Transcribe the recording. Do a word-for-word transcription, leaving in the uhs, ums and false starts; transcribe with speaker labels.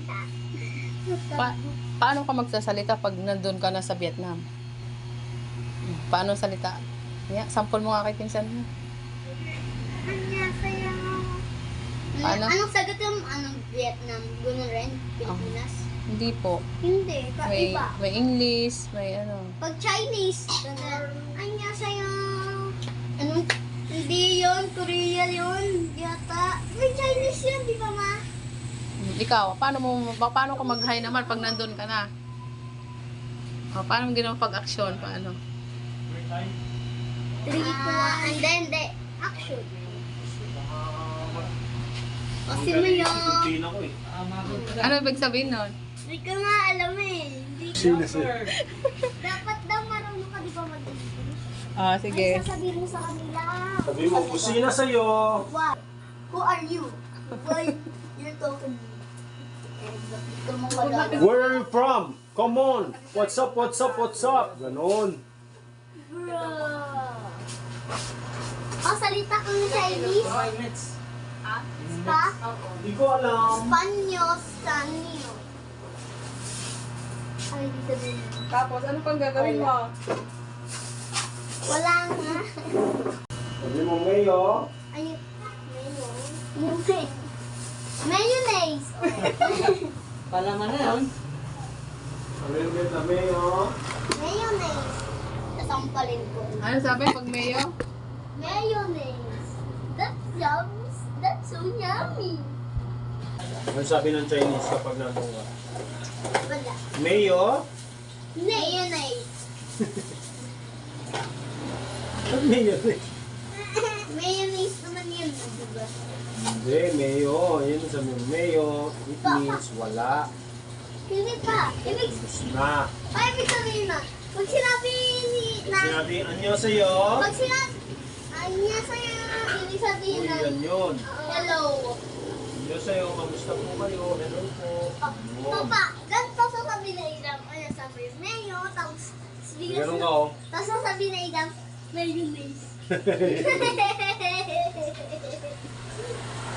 Speaker 1: Pa paano ka magsasalita pag nandun ka na sa Vietnam? Paano salita? Yeah, sample mo nga kay pinsan mo.
Speaker 2: Annyeonghaseyo.
Speaker 1: Paano?
Speaker 2: Anong sagot yung anong Vietnam? Gano'n rin? Pilipinas?
Speaker 1: Hindi po.
Speaker 2: Hindi,
Speaker 1: May,
Speaker 2: kaiba.
Speaker 1: may English, may ano.
Speaker 2: Pag Chinese, gano'n. Annyeonghaseyo. Anong? Hindi yun, Korea yun. Yata. May Chinese yun, di ba ma?
Speaker 1: Ikaw, paano mo pa- paano ka mag-hi naman pag nandun ka na? O, paano mo ginawa pag-action? Paano?
Speaker 2: Three, two, one. And then, the action. Kasi mo yun.
Speaker 3: Pilipinas ko eh.
Speaker 1: Ano ibig sabihin nun?
Speaker 2: Hindi ko nga alam eh. Hindi ko.
Speaker 3: Sino sir?
Speaker 2: Dapat daw marunong ka di ba mag-English?
Speaker 1: Ah,
Speaker 2: Ay,
Speaker 1: sige.
Speaker 2: sasabihin mo sa kanila.
Speaker 3: Sabi mo, kusina sa'yo.
Speaker 2: What? Who are you? Why you're talking to me? Ito mo wala.
Speaker 3: Where are you from? Come on. What's up, what's up, what's up? Ganon.
Speaker 2: Bro. Oh, salita kang Chinese? Ha?
Speaker 3: Hindi ko alam.
Speaker 2: Spanyo, Sanyo. Ay, di sabihin.
Speaker 1: Tapos, ano pang gagawin mo?
Speaker 2: Wala nga.
Speaker 3: Sabi mo, Mayo.
Speaker 2: Ay, mayonnaise. Mayonnaise.
Speaker 4: Palaman na yun.
Speaker 3: Sabi mo, na Mayo.
Speaker 2: Mayonnaise. Sasampalin ko.
Speaker 1: Ano sabi pag mayo?
Speaker 2: Mayonnaise. That's yum. That's so yummy.
Speaker 3: Ano sabi ng Chinese kapag nandun ka?
Speaker 2: Wala.
Speaker 3: Mayo?
Speaker 2: Mayonnaise.
Speaker 3: Ba't Mayo eh?
Speaker 2: Mayonnaise naman yun, diba?
Speaker 3: Hindi, Mayo. Yan sabi mo, Mayo. It means wala.
Speaker 2: Hindi pa. Ibig,
Speaker 3: Na.
Speaker 2: ay, ibig sabihin na. Pag sinabi ni, na,
Speaker 3: Sinabi, anyo sa'yo.
Speaker 2: pag sinabi, ay niya sa'yo, ibig sabihin
Speaker 3: Uy,
Speaker 2: na,
Speaker 3: yan yun.
Speaker 2: hello.
Speaker 3: Anyo sa'yo, kamusta po kayo? Hello po.
Speaker 2: Oh, Papa, ganito sasabihin na Idam, ano sabi, Mayo, tapos, bigla
Speaker 3: Ganun
Speaker 2: sa-
Speaker 3: ka oh.
Speaker 2: tapos sasabihin na Idam, mayonnaise.